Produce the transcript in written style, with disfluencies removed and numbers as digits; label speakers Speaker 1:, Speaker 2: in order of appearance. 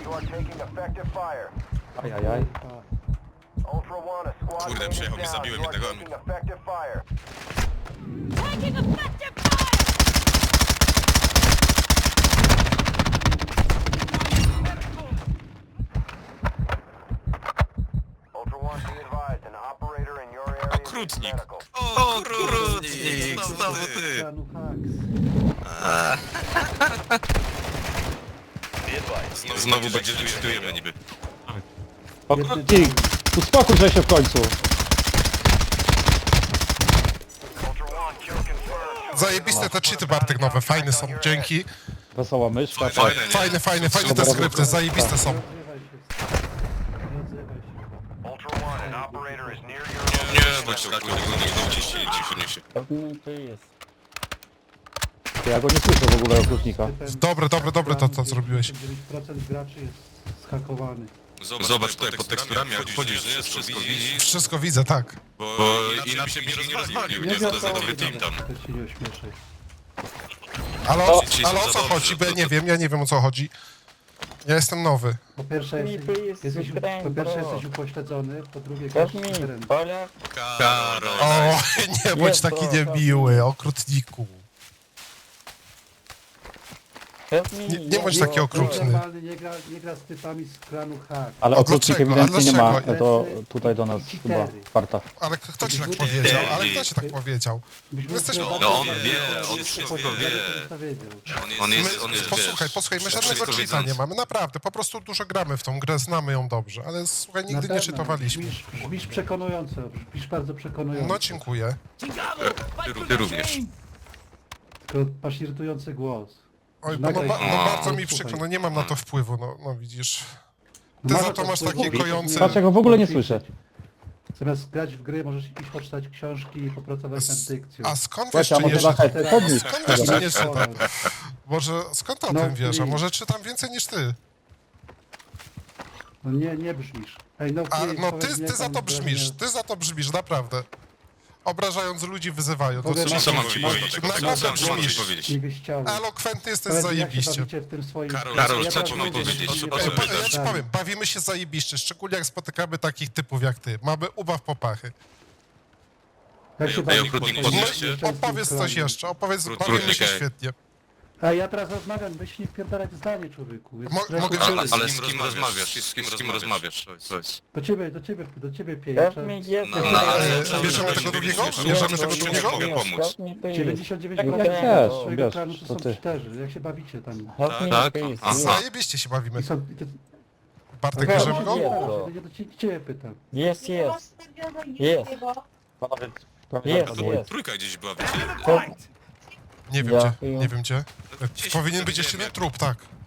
Speaker 1: Ajajaj.
Speaker 2: Kurde, przyjechał mnie, zabiłem jednego.
Speaker 3: Taking effective fire!
Speaker 2: Okrutnik. Okrutnik. Znowu ty.
Speaker 1: Klanu Haks.
Speaker 2: Znowu będzie licytujemy niby.
Speaker 1: Okrutnik! Uspokój się w końcu.
Speaker 4: Zajebiste te cheaty, Bartek, nowe, fajne są, dzięki.
Speaker 1: Wesoła myszka.
Speaker 2: Fajne, nie?
Speaker 4: Fajne te skrypty, zajebiste są.
Speaker 2: Nie, bądź tak, nie uciśnie, cicho niesie.
Speaker 1: Ja go nie słyszę w ogóle, okrutnika.
Speaker 4: Dobre to zrobiłeś.
Speaker 1: 9% graczy jest zhakowany.
Speaker 2: Zobacz tutaj pod teksturami, jak wchodzisz, nie? Wszystko widzisz,
Speaker 4: Wszystko widzę, tak.
Speaker 2: bo inaczej byś mnie nie rozwalił, nie? To za nowy team tam.
Speaker 1: To się nie ośmieszaj.
Speaker 4: Ale o co chodzi, bo ja nie wiem o co chodzi. Ja jestem nowy.
Speaker 1: Po pierwsze jesteś upośledzony, po drugie grasz w teren.
Speaker 2: Karol.
Speaker 4: O, nie bądź taki niemiły, okrutniku. Nie bądź taki okrutny.
Speaker 1: Normalny nie gra z typami z klanu Haks.
Speaker 5: Ale
Speaker 4: A
Speaker 5: okrutnik
Speaker 4: dlaczego?
Speaker 5: ewidentnie nie ma,
Speaker 4: dlaczego?
Speaker 5: to tutaj do nas chyba warta.
Speaker 4: Ale kto ci tak powiedział? Ale kto ci tak powiedział? Jesteś...
Speaker 2: No on wie, on wszystko wie. On jest,
Speaker 4: Posłuchaj, my żadnego cheata nie mamy, naprawdę. Po prostu dużo gramy w tą grę, znamy ją dobrze. Ale słuchaj, nigdy nie czytowaliśmy.
Speaker 1: Brzmisz przekonująco, brzmisz bardzo przekonująco.
Speaker 4: No dziękuję.
Speaker 2: Ty również.
Speaker 1: Tylko masz irytujący głos.
Speaker 4: Oj, bo bardzo mi przykro, no nie mam na to wpływu, no widzisz. Ty za to masz takie kojące...
Speaker 5: Patrz, ja go w ogóle nie słyszę.
Speaker 1: Zamiast grać w gry, możesz iść poczytać książki i popracować nad dykcją.
Speaker 4: A skąd wiesz,
Speaker 5: Słuchajcie, a
Speaker 4: czy nie
Speaker 5: może
Speaker 4: czytam?
Speaker 5: Lachaj, podnieś.
Speaker 4: Skąd wiesz, czy nie czytam? Może skąd o
Speaker 1: No,
Speaker 4: tym wiesz? A
Speaker 1: please.
Speaker 4: może czytam więcej niż ty?
Speaker 1: No nie brzmisz. Ej, no,
Speaker 4: A
Speaker 1: please,
Speaker 4: no
Speaker 1: powiedz mi,
Speaker 4: ty
Speaker 1: jak
Speaker 4: za
Speaker 1: tam
Speaker 4: to
Speaker 1: jest
Speaker 4: brzmisz,
Speaker 1: wrażenie.
Speaker 4: ty za to brzmisz, naprawdę. Obrażając ludzi, wyzywając.
Speaker 1: Powiem wam,
Speaker 2: Co mam ci powiedzieć?
Speaker 4: Naprawdę
Speaker 2: Co mam ci
Speaker 4: brzmisz.
Speaker 2: powiedzieć?
Speaker 1: Nie byś chciał.
Speaker 4: Elokwentny jesteś
Speaker 1: Powiedz mi, jak się
Speaker 4: zajebiście.
Speaker 1: bawicie w tym swoim...
Speaker 2: Karol, co
Speaker 1: Ja
Speaker 2: ci mam
Speaker 1: teraz
Speaker 2: powiedzieć?
Speaker 1: nie
Speaker 2: O co
Speaker 1: powiem.
Speaker 4: Ja ci powiem, bawimy się zajebiście, szczególnie jak spotykamy takich typów jak ty. Mamy ubaw popachy.
Speaker 1: Jak się
Speaker 2: Ej,
Speaker 1: bawisz
Speaker 2: okrutnik,
Speaker 1: w
Speaker 2: podnieś
Speaker 1: swoim
Speaker 2: się.
Speaker 4: Opowiedz coś
Speaker 1: klanie?
Speaker 4: jeszcze,
Speaker 2: Trudny
Speaker 4: bawimy się
Speaker 2: się.
Speaker 4: świetnie.
Speaker 1: A ja teraz rozmawiam, weź nie wpierdalać zdanie, człowieku. Jest
Speaker 4: Mogę
Speaker 1: trochę-
Speaker 4: cię-
Speaker 2: Ale z kim rozmawiasz? Z kim rozmawiasz? To jest...
Speaker 1: Do ciebie pieje.
Speaker 4: Bierzemy tego drugiego? Bierzemy tego drugiego?
Speaker 2: Mogę pomóc.
Speaker 1: 99%
Speaker 5: Jak chcesz,
Speaker 1: swojego
Speaker 5: wiesz,
Speaker 1: klanu to
Speaker 5: to
Speaker 1: są
Speaker 5: ty.
Speaker 1: cheaterzy. Jak się bawicie tam?
Speaker 2: Tak? Aha.
Speaker 4: Zajebiście się bawimy.
Speaker 1: I są...
Speaker 4: Bartek, bierzemy go?
Speaker 1: Ja do ciebie pytam.
Speaker 5: Jest.
Speaker 2: Trójka gdzieś była, wiecie?
Speaker 4: Nie wiem
Speaker 5: Ja
Speaker 4: gdzie,
Speaker 5: chuju.
Speaker 4: nie wiem gdzie. Powinien być jeszcze jeden trup, tak.